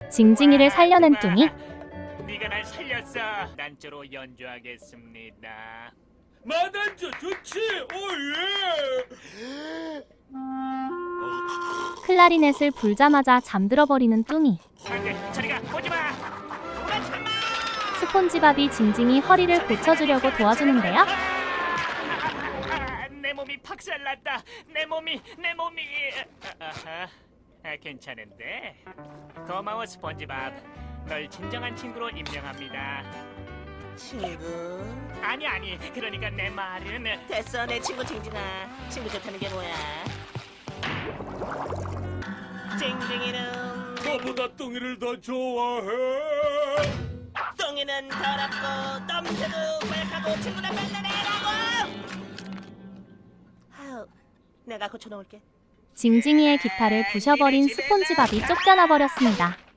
징징이를 살려낸 뚱이. 네가 날 살렸어. 난조로 연주하겠습니다. 마단조 좋지. 오예. 클라리넷을 불자마자 잠들어버리는 뚱이. 안돼, 저리가 오지마. 오라치마. 스폰지밥이 징징이 허리를 고쳐주려고 도와주는데요. 내 몸이 박살났다. 내 몸이. 괜찮은데. 고마워 스펀지밥. 널 진정한 친구로 임명합니다. 친구. 아니. 그러니까 내 말은 됐어, 내 친구 징징아. 친구 좋다는 게 뭐야? 징징이는 너보다 뚱이를 더 좋아해. 뚱이는 더럽고 넘쳐도 고약하고 친구랑 만나래라고. 아우, 내가 고쳐놓을게. 징징이의 기타를 부셔버린 스폰지밥이 쫓겨나 버렸습니다.